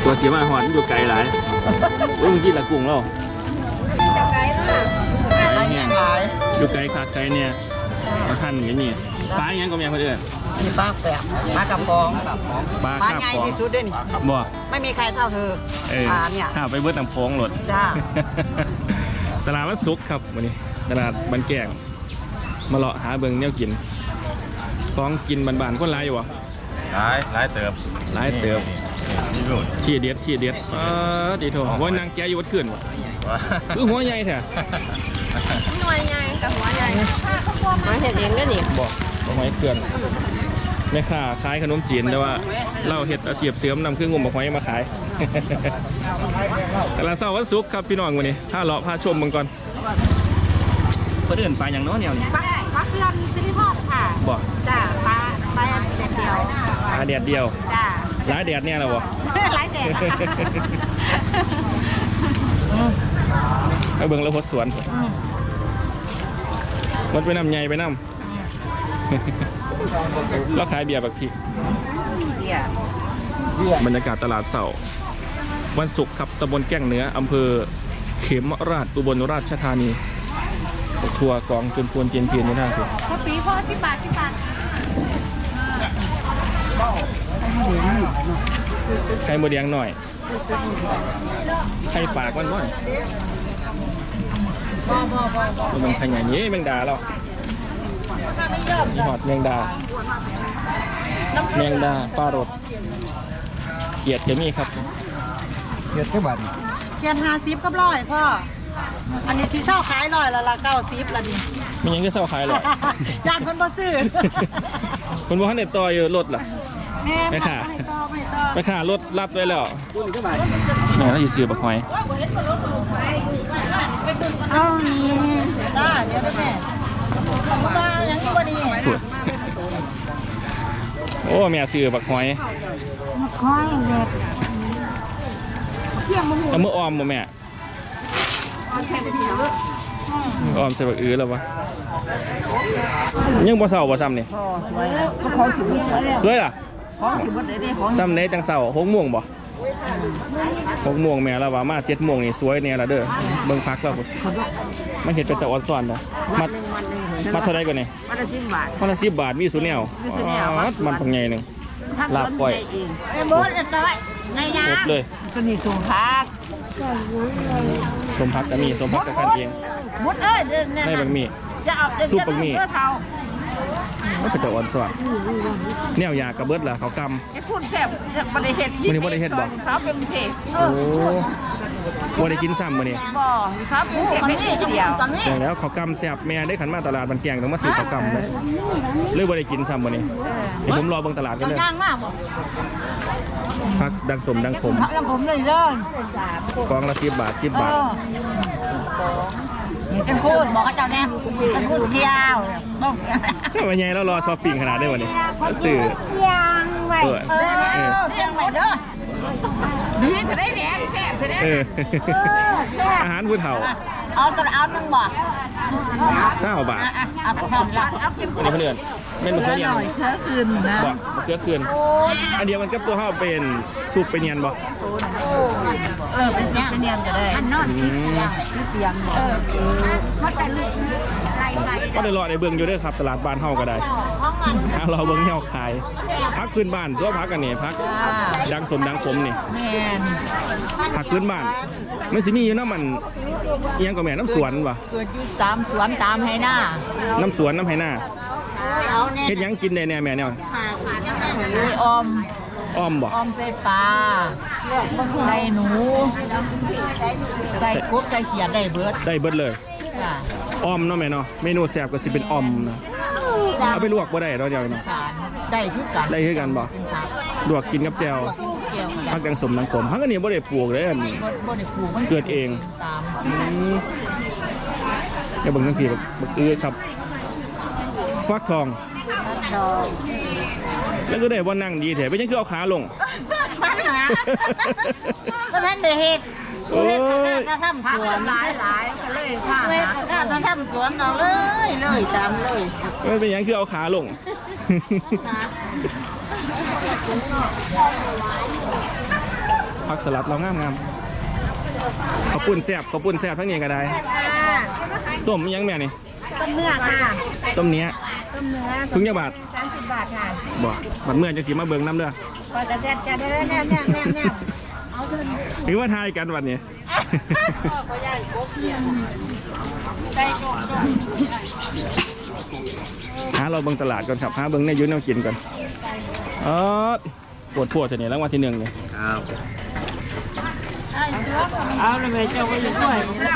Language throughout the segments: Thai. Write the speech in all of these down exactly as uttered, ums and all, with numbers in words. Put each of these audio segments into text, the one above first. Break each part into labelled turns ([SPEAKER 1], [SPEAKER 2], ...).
[SPEAKER 1] ตัวเสียมาหอนอยู่ไกลหลายโอ้ยมึงกินละกุ้งแล้วไกลเนี่ยอยู่ไกลขาดไกลเนี่ยมาทันอย่างนี้ปลาอย่างนี้ก็มีเพื่อน
[SPEAKER 2] มีปลาแปะปลากระป๋อง
[SPEAKER 1] ปลาใหญ่
[SPEAKER 2] ที่สุดด้วยนี่
[SPEAKER 1] บ่
[SPEAKER 2] ไม่มีใครเท่าเธอปลาเนี่ย
[SPEAKER 1] ข้าไปเบิดน้ำโค้งหลด
[SPEAKER 2] จ้า
[SPEAKER 1] ตลาดวัดซุกครับวันนี้ตลาดบันแกงมาเลาะหาเบิ่งเนี่ยกินของกินบานๆคนร้ายอยู่วะ
[SPEAKER 3] ร้ายร้ายเติบ
[SPEAKER 1] ร้ายเติบที่เด็ดที่เด็ดอ๋อดีโถว่านางแกอยู่วัดขึ้นวะคือหัวใหญ่แท้
[SPEAKER 4] หัวใหญ่กับหัวใหญ่มาเห็ดเองก็นี่
[SPEAKER 1] บอกบอกหอยเขื่อนแม่ค้าขายขนมจีนแต่ว่าเล่าเห็ดอาชีพเสริมนำเครื่องงมบอกหอยมาขายแต่ละเสาร์วันศุกร์ครับพี่น้องวันนี้ถ้าเลาะพาชมมึงก่อนเพื่อนปลาอย่างน้อยเนี่ย
[SPEAKER 4] ปลาปลาเขื่อนซิลิพอดค่ะ
[SPEAKER 1] บอก
[SPEAKER 4] จ้าปลาปลาแดดเดียว
[SPEAKER 1] ปลาแดดเดียว
[SPEAKER 4] จ้า
[SPEAKER 1] ร้ายแดดเนี่ยเหรอวะ
[SPEAKER 4] ร้ายแดด
[SPEAKER 1] ไปเบิ่งแล้วพดสวนมันไปน้ำใหญ่ไปน้ำแล้วขายเบียร์แบบพี่บรรยากาศตลาดเสาร์วันศุกร์ครับตำบลแก้งเหนืออำเภอเขมราชอุบลราชธานีทัวร์กองจนพวนเจียนเพียนไม่ได้คือ
[SPEAKER 4] ข้าวปีพอสิบบาทสิบบาท
[SPEAKER 1] ไข่โมเดียงหน่อยไข่ปากมันหน่อยมันขยันเย้แมงดาเรามีหอดแมงดาแมงดาปลารสเกียดจะมีครับ
[SPEAKER 2] เกียดแค่บาทเกียดห้าสิบกับร้อยพ่ออันนี้ที่เช่าขายร้อยละละเก้าสิบละดิ
[SPEAKER 1] มันยังก็เช่าขายหรอ
[SPEAKER 2] ญาติคนบ่ซื้อ
[SPEAKER 1] คนบ่ทันเด็ดต่ออยู่รถล่ะไม่ค่ะไม่ค่ะรถรับไว้แล้วแม่เราอยู่ซื้อบักหอย
[SPEAKER 2] เอานี่ได้เดี๋ยวแม่มาอย่างนี้พอดี
[SPEAKER 1] โอ้แม่ซื้อบักหอย
[SPEAKER 2] บักหอยเด็ด
[SPEAKER 1] เอามื่อออมบ่แม่ออมใส่บักอื้อแล้ววะยังบ่เศร้าบ่ซ้ำนี่
[SPEAKER 2] สวยเขาของสิบ
[SPEAKER 1] สวยล่ะ
[SPEAKER 2] ของสิบได้ได้ของ
[SPEAKER 1] ซ้ำไหนจังเศร้าหกโมงบ่หกโมงแม่แล้วว่ามาเจ็ดโมงนี่สวยเนี่ยละเด้อเบิ่งพักแล้วพุ่นมันเห็นเป็นตะอ่อนซ้อนเนาะมัดมัดเท่าไรก่อนนี่
[SPEAKER 2] มัดละสิบบาท
[SPEAKER 1] มัดละสิบบาทมีสูนแนวมันปังใหญ่หนึ่งลาบก้อย
[SPEAKER 2] ไอ้บดเลยตัวในน้ำ
[SPEAKER 1] เลย
[SPEAKER 2] ตัวนี้สมพัก
[SPEAKER 1] สมพักก็มีสมพักก็ขันเอง
[SPEAKER 2] บดเอ้ย
[SPEAKER 1] ในบางมีซุปบางมีมันเป็นตะอ่อนซ้อนแนวยากระเบิดล่ะเขากำ
[SPEAKER 2] ไอ้พูดแซ่บบริเฮ็ด
[SPEAKER 1] มันนี่บริเฮ็ดบ่
[SPEAKER 2] สาวเป็นเพจ
[SPEAKER 1] โอ้บริกินซ้ำมันนี่
[SPEAKER 2] บ่สาวเป็นเพจไม่ได้เดียว
[SPEAKER 1] แต่แล้วเขากำแซ่บแม่ได้ขันมาตลาดบันแกงต้องมาซื้อเขากำเลยเลยบริกินซ้ำมันนี่ผมรอเบิ่งตลาดกันเลยพักดังสมดังขม
[SPEAKER 2] ดังขมเลยเด้
[SPEAKER 1] อกองละสิบบาทสิบบาท
[SPEAKER 2] กันพูดบอกกับเจ้าแน่กันพูดเกี่ยวต้อง
[SPEAKER 1] ทำไมไงเรารอช้อปปิ้งขนาดได้วันนี้สื่อ
[SPEAKER 2] ยังไงเออยังไงเด้อดีจะได้แดงแซ่บจะได้
[SPEAKER 1] อาหารผู้เฒ่า
[SPEAKER 2] เอาตัวเอาหนึ่งบ่
[SPEAKER 1] เศร้าบาท
[SPEAKER 2] เอาตัวเอากิน
[SPEAKER 1] วันนี้เพื่อนเมนูเพื่อนยัง
[SPEAKER 2] เคือคืนนะ
[SPEAKER 1] บ่เคือคืนอันเดียวมันกับตัวเฒ่าเป็นซุปเป็นเนียนบ่
[SPEAKER 2] เออเป็นเป็นเนียนก็ได้อันนอนที่เตียงเออเขาแต่ไล่ไล่
[SPEAKER 1] ก็ได้รอในเบื้องอยู่ด้วยครับตลาดบ้านเฮาก็ได้ถ้าเราเบื้องเฮาขายพักพื้นบ้านตัวพักกันนี่พักดังสมดังขมนี่ผักพื้นบ้านมันสิมีอยู่น้ำมันยังก็แม่น้ำสวนวะ
[SPEAKER 2] เกิดอยู่ตามสวนตามไฮหน้า
[SPEAKER 1] น้ำสวนน้ำไฮหน้าเฮ็ดยังกินได้แน่แม่เนี่ย
[SPEAKER 2] ออม
[SPEAKER 1] อ้อมบ่
[SPEAKER 2] อ้อมใส่ปลาใส่หนูใส่กุ๊บใส่เขียดได้เบิด
[SPEAKER 1] ได้เบิดเลยอ้อมเนาะแม่เนาะเมนูแซ่บก็สิเป็นอ้อมนะเอาไปลวกบ่ได้เราเดียวเนาะ
[SPEAKER 2] ได้คือกัน
[SPEAKER 1] ได้คือกันบ่ลวกกินกับแจ่วผักดังสมดังขมผักอันนี้บ่ได้ปลูกเลยอันเกิดเองเดี๋ยวเบิ่งทั้งทีบักอื้อครับฟักทองแล้วก็ได้ว่านั่งดีแถมไม่ใช่คือเอาขาลง
[SPEAKER 2] มันนะก็ท่านได้เห็ดโอ้ยถ้าทำสวนหลายหลายก็เลยค่ะถ้าทำสวนเอาเลยเลยตามเลย
[SPEAKER 1] ไม่เป็นอย่างคือเอาขาลงผักสลัดเรางามงามข้าวปุ้นแซ่บข้าวปุ้นแซ่บทั้งนี้ก็ได้ต้มยังแม่นี่
[SPEAKER 2] ต้มเนื้อค่ะ
[SPEAKER 1] ต้มเนี้ย
[SPEAKER 2] ต้มเนื้อ
[SPEAKER 1] ถุงยาบาท
[SPEAKER 2] สามสิบบาทค่ะ
[SPEAKER 1] บ่บัดเมื่อจะสีมาเบิ่งน้ำเด้อ
[SPEAKER 2] ก็จะแซ่บจะได้แน่แน่แน่แน่เอาเถอะ
[SPEAKER 1] ถือว่าทายกันวันนี้ หาเราเบิ่งตลาดก่อนครับหาเบิ่งในอยูนแนวกินก่อนเออปวดปวดจะเนี่ยรางวัลที่หนึ่งเนี่ย
[SPEAKER 3] ครับ
[SPEAKER 2] เอาเลยแม่เจ้าก็ยังด้วย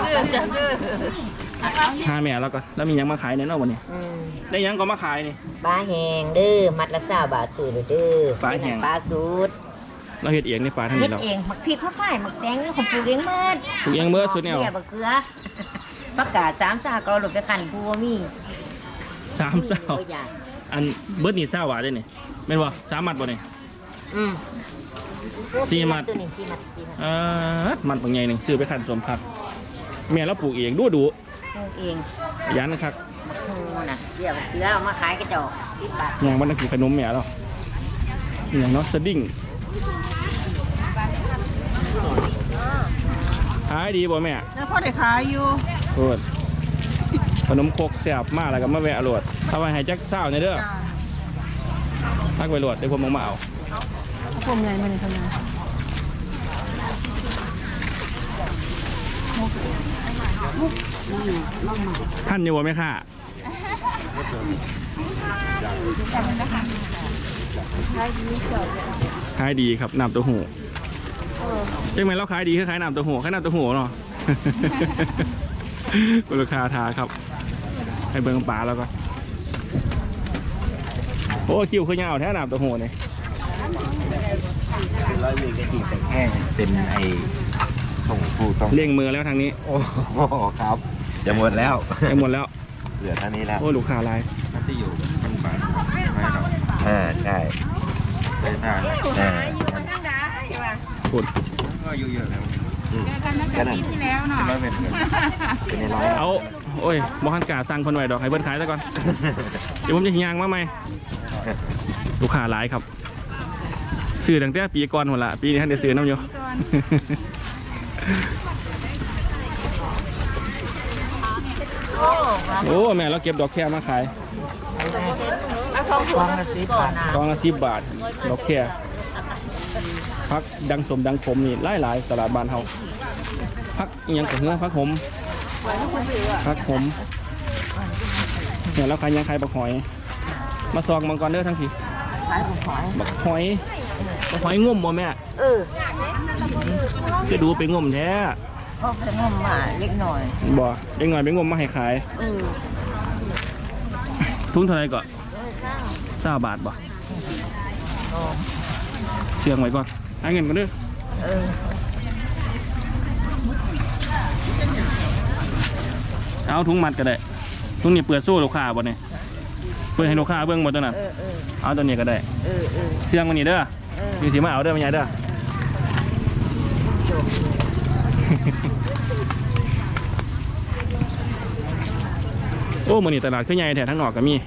[SPEAKER 1] หาแม่แล้วก็แล้วมีหยังมาขายในนอกวันนี้
[SPEAKER 5] อืม
[SPEAKER 1] ได้หยังก็มาขายนี่
[SPEAKER 5] ปลาแห้งเด้อมัดละสามบาทซื้อเด้อ
[SPEAKER 1] ปลาแห้ง
[SPEAKER 5] ปลาสูตร
[SPEAKER 1] เราเห็ดเองในป่าทาง
[SPEAKER 5] เฮ็
[SPEAKER 1] นี้
[SPEAKER 5] ด
[SPEAKER 1] เรา
[SPEAKER 5] เองหมักพริกข้าวไฟหมักแตงนี่ของปลูกเองเมิด
[SPEAKER 1] ปลูกเองเบิดสุดแนว
[SPEAKER 5] เนี่ยบักเกลือผักกาดสามสาเกาหลบไปขันผู้บ่มี
[SPEAKER 1] สามเศร้า
[SPEAKER 5] บ่อยาก
[SPEAKER 1] อันเบิร์ดนี่เศร้าหวานได้นี่แม่นบ่สามมัดบ่นี่
[SPEAKER 5] อืม
[SPEAKER 1] สี่มัด
[SPEAKER 5] ตัวนี้สี่มัดสี่มัด
[SPEAKER 1] เออมัดบางใหญ่หนึ่งซื้อไปขันสมผักแม่เราปลูกเองดูดู
[SPEAKER 5] ปลูกเอง
[SPEAKER 1] ยันนะครับ
[SPEAKER 5] โอ้น่ะเดี๋ยวบักเกลือเอามาขายกระจอกสิบบาท
[SPEAKER 1] อย่างวันนั้นกินขนมแม่เราอย่างเนาะสดิ้งขายดีบ่แม่
[SPEAKER 2] แล้วพ่อได้ขายอยู่
[SPEAKER 1] โอดขนมครกแซ่บมากแล้วก็มาแวะโหลดเอาไว้ให้แจ็คเศร้าในเด้อทักไว้โหลดเดี๋ยวผมมาเอา
[SPEAKER 2] ผมใหญ่มันทำไง
[SPEAKER 1] ท่านอยู่บ่แม่ค่ะขายดีครับน้ำเต้าหู้จังไหมเราขายดีคือขายน้ำเต้าหู้ขายน้ำเต้าหู้เนาะ คุณลูกค้าทาครับให้เบิ่งปลาแล้วก็โอ้คิวคือยาวแท้น้ำเต้าหู้นี่
[SPEAKER 3] ร้อยวีกระดิ่งแต่แห้งเป็นไอ้ส่งผู้ต้อง
[SPEAKER 1] เลี้ยงมือแล้วทางนี้
[SPEAKER 3] โอ้โหครับ จะหมดแล้ว
[SPEAKER 1] ไปหมดแล้ว
[SPEAKER 3] เหลือเท่านี้แล้ว
[SPEAKER 1] โอ้ลูกค้าลาย
[SPEAKER 3] มันจะอยู่มันบานไม่หรอกอ่าใช่ได้ทางอ่า
[SPEAKER 1] พูด
[SPEAKER 3] ก็อยู่เยอะแล้ว
[SPEAKER 2] กันตั้งแต่ปีที่แล้วเนาะ
[SPEAKER 3] จะไม่เป็นเงินเป็นในร้อย
[SPEAKER 1] เอาโอ้ยบอฮันกาสั่งคนไว้ดอกให้เบิ้ลขายซะก่อน เดี๋ยวผมจะหิยางมาไหมลูกค้าหลายครับซื้อตั้งแต่ปีก่อนหมดละปีนี้ท่านได้ซื้อน้ำอยู่ โอ้แม่เราเก็บดอกแค่มาขาย
[SPEAKER 5] ฟองละสิบบาท
[SPEAKER 1] กองละสิบบาทดอกแค่พักดังสมดังขมนี่หลายหลายๆตลาดบ้านเฮาพักอิหยังกับเนื้อพักหอมพักหอมเนี่ยเราขายยังขายบักหอย มาซองมังกรเด้อทั้งที
[SPEAKER 5] ขายของขอย
[SPEAKER 1] บักหอยบักหอยงุ่มบ่แม่
[SPEAKER 5] เออ
[SPEAKER 1] จะดูไปงุ่มแท้
[SPEAKER 5] เขาไปงมมาเล็กหน่อย
[SPEAKER 1] บ่เด็กหน่อยไปงุ่มมาให้ขาย
[SPEAKER 5] เออ
[SPEAKER 1] ทุ่งเท่าไหรก่อนเก้าบาทบ่
[SPEAKER 5] อ๋อ
[SPEAKER 1] เชื่องไว้ก่อนให้เงินก่อนเด้อ
[SPEAKER 5] เออ
[SPEAKER 1] เอาถุงมัดก็ได้ถุงนี้เปิดสู้ลูกค้าบ่เนี่ยเปิดให้ลูกค้าเบิ่งบ่ตัวนั้น
[SPEAKER 5] เออเออ
[SPEAKER 1] เอาตัวนี้ก็ได้
[SPEAKER 5] เออเออ
[SPEAKER 1] เชื่องมันนี่เด้อ
[SPEAKER 5] เออ
[SPEAKER 1] มีสิมาเอาเด้อมันใหญ่เด้อ โอ้มื้อนี้ตลาดคือใหญ่แท้ทั้งนอกก็มี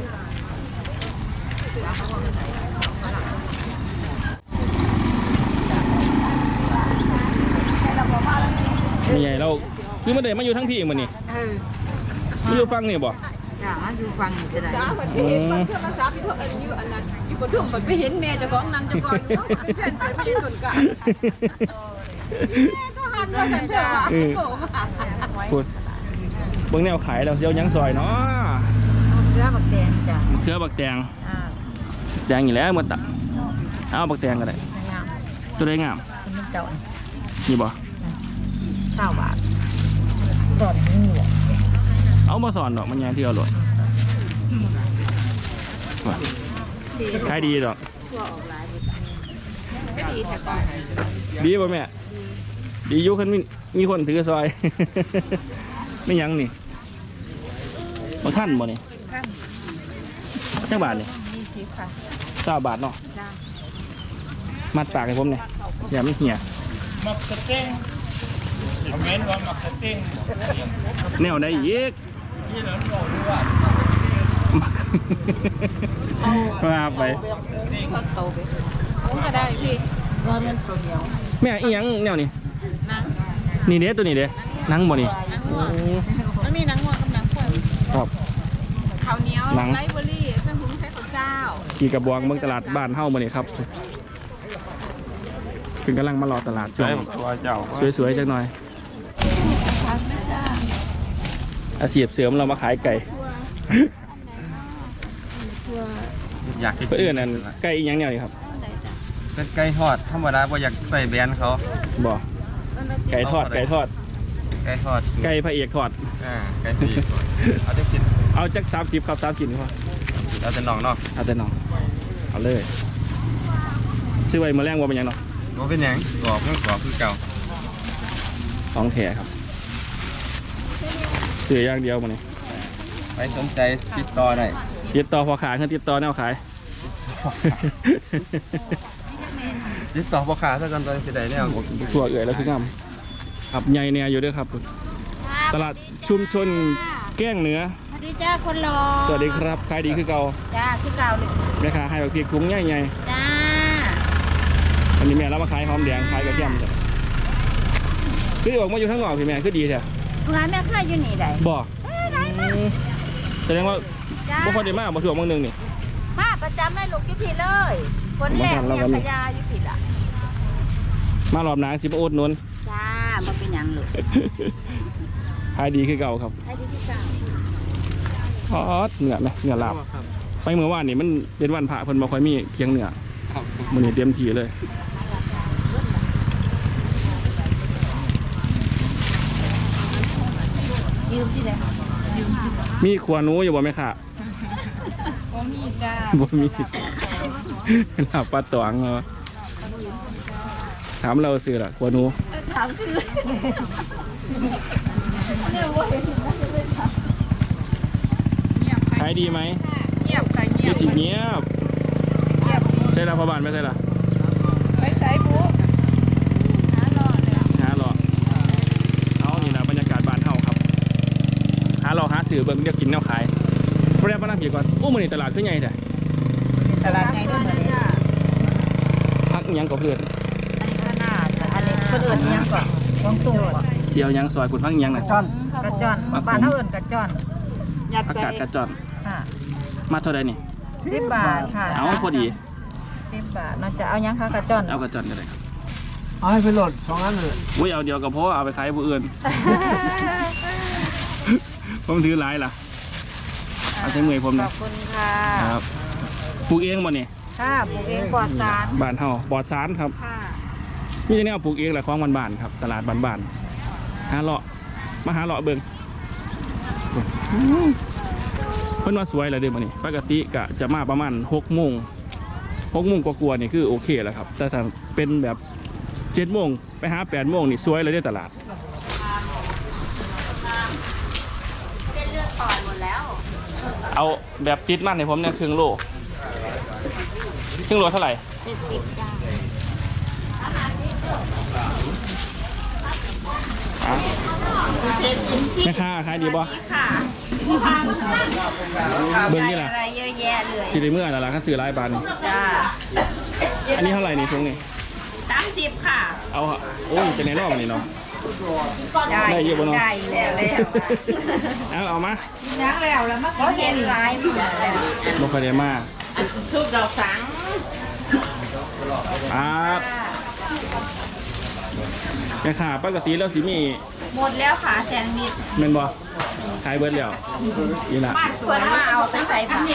[SPEAKER 1] มีใหญ่เราคือมันเดินมาอยู่ทั้งที่มื้อนี้
[SPEAKER 5] เออ
[SPEAKER 1] มาอยู่ฟังนี่บ่
[SPEAKER 5] จ้าอยู่ฟังนี่จะได้
[SPEAKER 4] จ้าคนไปเห็นคนโทรศัพท์ที่เขาอยู่อันนั้นอยู่บนทุ่งไปเห็นแม่เจ้าของนำเจ้าของเนาะอันแผ่นไปที่ต้นกาแม่ก็หันมาสันเถอะว่าโผล่มา
[SPEAKER 1] พูดเบิ่งแนวขายแล้วเสียวหยังซอยเนาะ
[SPEAKER 5] เกลือบักแดงจ้ะ
[SPEAKER 1] มะเขือบักแตง
[SPEAKER 5] อ่า
[SPEAKER 1] แดงอยู่แล้วหมดตับเอาบักแตงก็ได้
[SPEAKER 5] งาม
[SPEAKER 1] ตัวได้งาม
[SPEAKER 5] มันเจ้า
[SPEAKER 1] นี่บ่
[SPEAKER 5] เก้าบาทดอนนี่แหละ
[SPEAKER 1] เอามาสอนดอกมันยังที่เอาหลดว่ะขายดีดอกดีป่ะแม่ดีอยุคันมีมีคนถือซอย ไม่ยั้งนี่มาขั้นบ่นี่เจ้าบาทนี่เก้าบาทเนาะมัดปากให้ผมเนี่ยอย่ามันเหี่ยมักสเต็งคอมเมนต์ว่ามักสเต็งแนวใดอีกมาไป
[SPEAKER 4] ผมก็ได้พี่
[SPEAKER 5] ว่ามันตัวเดียว
[SPEAKER 1] แม่อีหยังแนวนี้
[SPEAKER 2] นัง
[SPEAKER 1] นี่เด้ตัวนี้เด้หนังบ่นี่
[SPEAKER 2] นัง
[SPEAKER 1] โอ้
[SPEAKER 2] หัวมันมีนังหัวกับนังควาย
[SPEAKER 1] ครับ
[SPEAKER 2] ข้าวเหนียว
[SPEAKER 1] หนัง
[SPEAKER 2] ไรเบอร์รี่เพื่อนพุงใช้ข้าวเจ้า
[SPEAKER 1] ขี่กระบวงเมืองตลาดบ้านเฮ้ามาเนี่ยครับคือกำลังมารอตลาดช่ว
[SPEAKER 3] ใช่
[SPEAKER 1] ง
[SPEAKER 3] ตัวเจ้า
[SPEAKER 1] สวยๆจักหน่อยอาชีพเสริมเรามาขายไก่
[SPEAKER 3] อยากกิน
[SPEAKER 1] เพื่อนนั่นไก่อีกอย่างเดียวนี่ครับ
[SPEAKER 3] เป็นไก่ทอดธรรมดาบ่อยากใส่แบรนด์เขา
[SPEAKER 1] บ่ไก่ทอดไก่ทอด
[SPEAKER 3] ไก่ทอดสูตร
[SPEAKER 1] ไก่พระเอกทอด
[SPEAKER 3] อ่าไก่ปีกเอาจะกิน
[SPEAKER 1] เอาจักสามสิบครับสามสิบพอ
[SPEAKER 3] เราจะน้องเนาะ
[SPEAKER 1] เอาแต่น้องเอาเลยซื้อไว้มาแรงว่าเป็นหยังเนาะ
[SPEAKER 3] บ่เป็นหยังกรอบยังกรอบคือเก่า
[SPEAKER 1] ของแถครับซื้ออย่างเดียวมาเนี่ย
[SPEAKER 3] ไปสนใจติดต่อได้
[SPEAKER 1] ติดต่อพอขายคือติดต่อแนวขาย
[SPEAKER 3] ติดต่อพ่อค้าซะกันตอนสิได้แล้ว
[SPEAKER 1] ทั่วเอื่อยแล้วคืองามครับใหญ่เนี่ยอยู่ด้วยครับ ตลาดชุมชนแก้งเหนือ
[SPEAKER 2] สวัสดีจ้าคนรอ
[SPEAKER 1] สวัสดีครับขายดีคือเก่า
[SPEAKER 2] จ้าคือเก่าเลย
[SPEAKER 1] แม่ค้าให้แบบพริกถุงใหญ่
[SPEAKER 2] จ้า
[SPEAKER 1] ๆอันนี้แม่เรามาขายหอมแดงขายกระเทียมจ้ะคือออกมาอยู่ทั้งหมดพี่แม่คือดีใช่
[SPEAKER 2] ร้านแม่ค้าอยู่นี่ได้
[SPEAKER 1] บ่แสดงว่า
[SPEAKER 2] จ้า
[SPEAKER 1] บ่ค่อยได้มาบ่ถือว่าบางหนึงนี่
[SPEAKER 2] มาประจำให้ลูกอยู่ผิดเลยคนแรกเนี่ยพยาอยู่ผิดอ่ะ
[SPEAKER 1] มารอบหน้าสิบ่อดหนุน
[SPEAKER 2] จ้ามันเป็นหยังลูก
[SPEAKER 1] ขายดีคือเก่าครับ
[SPEAKER 2] ให้ดีที่เก่า
[SPEAKER 1] ทอดเนื้อไหมเนื้อลาบไปเมื่อวานนี่มันเป็นวันพระเพิ่นบ่ค่อยมีเคียงเนื้อมื้อนี้เตรียมที่เลย
[SPEAKER 2] ยืมที่ไหน
[SPEAKER 1] มีขวาหนูอยู่บ่แม่ค่ะ
[SPEAKER 2] บ่มีจ้า
[SPEAKER 1] บ่มีลาบปลาตองเหรอถามเราซื้อละขวาหนู
[SPEAKER 2] ถามคือ
[SPEAKER 1] ขายดีไหม
[SPEAKER 2] เงียบใครเงีย
[SPEAKER 1] มี
[SPEAKER 2] บ
[SPEAKER 1] สิเงียบ
[SPEAKER 2] เงียบ
[SPEAKER 1] ใช่ละพ่อบ้านไม่ใช่ละ
[SPEAKER 2] ไปใส่บุหารอเลย
[SPEAKER 1] หาหรอเอานี่นะบรรยากาศบ้านเฮาครับหาหรอหาสื่อเบิ่งเดี๋ยวกินแนวขายแรกมานั่งผีก่อนโอ้มื้อนี้ตลาดคือใหญ่แท้
[SPEAKER 2] ตลาดไงด้วยเหมือนนี้
[SPEAKER 1] พักอิหยังก็เพื่อน
[SPEAKER 2] อันนี้ข้างหน้าอันนี้เพื่อนยังก่อนวงตู้
[SPEAKER 1] เชียวหยังซอยคุณพักอิหยังน่ะ
[SPEAKER 2] กระจอนบ้านเท่าอื่นกระจอนยัด
[SPEAKER 1] อากาศกระจอน
[SPEAKER 2] ค่ะ
[SPEAKER 1] มาเท่าใดนี่
[SPEAKER 2] สิบบาทค่ะ
[SPEAKER 1] เอาพอดี
[SPEAKER 2] สิบบาทน่าจะเอายังคะกระจอน
[SPEAKER 1] เอากระจอนก็ได้ครับ
[SPEAKER 3] เอาให้ไปโหลดสองอันเลย
[SPEAKER 1] อุ้ยเอาเดียวก็พอเอาไปขายผู้อื่น ผมถือหลายล่ะเอาใช้มือผม
[SPEAKER 2] ข
[SPEAKER 1] นะ
[SPEAKER 2] อบคุณค่ะ
[SPEAKER 1] ครับปลูกเองบ่นี่
[SPEAKER 2] ค่ะปลูกเองปลอดสาร
[SPEAKER 1] บ้านเฮาปลอดสารครับ
[SPEAKER 2] ค่ะ
[SPEAKER 1] มีแต่แนวปลูกเองแหละของบ้านๆครับตลาดบ้านๆหาเลาะมาหาเลาะเบิ่งเพิ่นว่าสวยเลยเด้อมื้อนี้ปกติก็จะมาประมาณหกโมงหกโมงกว่าๆนี่คือโอเคแล้วครับ แต่ถ้าเป็นแบบเจ็ดโมงไปหาแปดโมงนี่สวยเลยเด้อตลาด
[SPEAKER 2] เส้นเลือดอ่อนหมดแล้ว
[SPEAKER 1] เอาแบบจิตมันให้ผมเนี่ยครึ่งโลครึ่งโลเท่าไหร่
[SPEAKER 2] เจ็ดสิบจ้า
[SPEAKER 1] อ่ะแม่ค้าขายดีบ่
[SPEAKER 2] ค่ะ
[SPEAKER 1] เบิ่งนี่ล่ะ
[SPEAKER 2] อะไรเยอะแยะเลย
[SPEAKER 1] สิได้เมื่อนั่นล่ะคันซื้อหลายบาทนี่
[SPEAKER 2] จ้า
[SPEAKER 1] อันนี้เท่าไหร่นี่ถุงนี่
[SPEAKER 2] สามสิบค่ะ
[SPEAKER 1] เอาฮะโอ้ยจะในรอบนี่เนาะ
[SPEAKER 2] ได้
[SPEAKER 1] ได้เยอะบ่เนาะ
[SPEAKER 2] ได้แล้วแล้ว
[SPEAKER 1] เอาเอามา
[SPEAKER 2] นักแล้วแล้วมาเขาเห็นลายหมดแล้ว
[SPEAKER 1] บ่ค่อยได้มา
[SPEAKER 2] ซุปดอกสัง
[SPEAKER 1] ครับแม่ค้าปกติแล้วสิมี
[SPEAKER 2] หมดแล้วค่ะแซนด์วิช
[SPEAKER 1] แม่นบ่ขายเบิดแล้วนี่ล่ะ
[SPEAKER 2] เพื่อนมาเอาไปใส่ผัก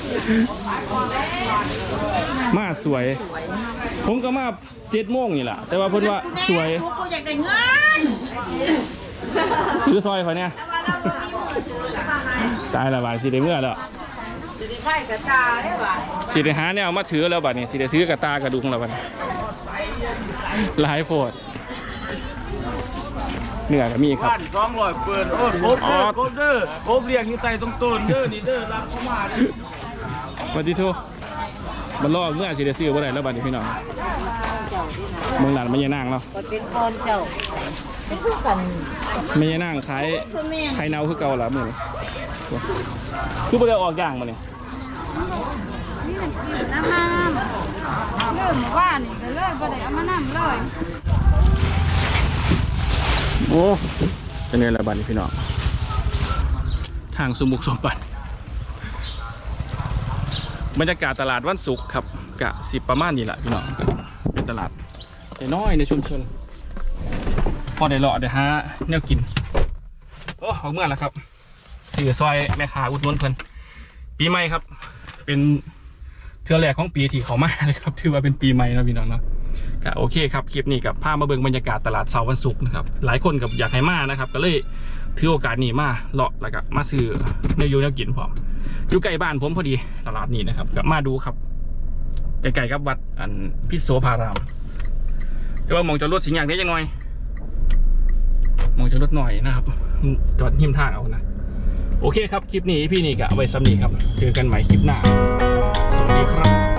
[SPEAKER 1] มาสวย ผมก็มาเจ็ดโมงนี่ล่ะแต่ว่าเพิ่นว่าสวย
[SPEAKER 2] กูอยากได้เงิน
[SPEAKER 1] ถือซอยเขาเนี่ยตายและบาดสิได้เมื่อแล้ว
[SPEAKER 2] จะได้ไข่กระจาได้ป่ะ
[SPEAKER 1] สิได้หาเนี่ยเอามาถือแล้วบัดนี้สิได้ถือกระตากระดุงแล้วบัดนี้หลายโพดเนื้อก็มีครับ
[SPEAKER 3] บ้านสองร้อยเปิดโอ้โหเด้อโคเด้อโคเรียกอยู่ใต้ตรงต้นเด้อนี่เด้อรับเข้ามาดิ
[SPEAKER 1] บัดนี้ทุมันรอเมื่อสิได้ซื้อบ่ได้แล้วบัดนี้พี่น้องเมืองหลานไม่ยานางเนาะ
[SPEAKER 2] เป็นคนเจ้าเป็นผู้กัน
[SPEAKER 1] ไม่ยานางขายไข่เน่าคือเก่าล่ะมื้อนี้คือบ่ได้ออกย่างมานี่
[SPEAKER 2] น้ำน้ำเริ่มว่านี่ก็เลยบ่ได้เอามาน้ำเลย
[SPEAKER 1] โอ้จะเนี่ยละบัดนี้พี่น้องทางสมุกสมบัติบรรยากาศตลาดวันศุกร์ครับกะสิบประมาณนี้แหละพี่น้องเป็นตลาดน้อยในชุมชนพอได้เลาะได้ฮะแนวกินโอ้ออกเมื่อแล้วครับสื่อซอยแม่ค้าอุดหนุนเพิ่นปีใหม่ครับเป็นเทือแรกของปีที่เขามาเลยครับถือว่าเป็นปีใหม่นะพี่น้องเนาะก็โอเคครับคลิปนี้กับพามาเบิ่งบรรยากาศตลาดเสาร์วันศุกร์นะครับหลายคนกับอยากให้มานะครับก็เลยถือโอกาสนี้มาเลาะแล้วก็มาซื้อเนื้อยูเนื้อกินพร้อมอยู่ใกล้บ้านผมพอดีตลาดนี้นะครับก็มาดูครับใกล้ๆกับวัดอันพิโสภารามแต่ว่ามองจอดรถสิงอย่างนี้ยังน้อยมองจอดรถหน่อยนะครับจอดหิมทางเอานะโอเคครับคลิปนี้พี่นี่ก็เอาไว้ซ้ำนี้ครับเจอกันใหม่คลิปหน้าสวัสดีครับ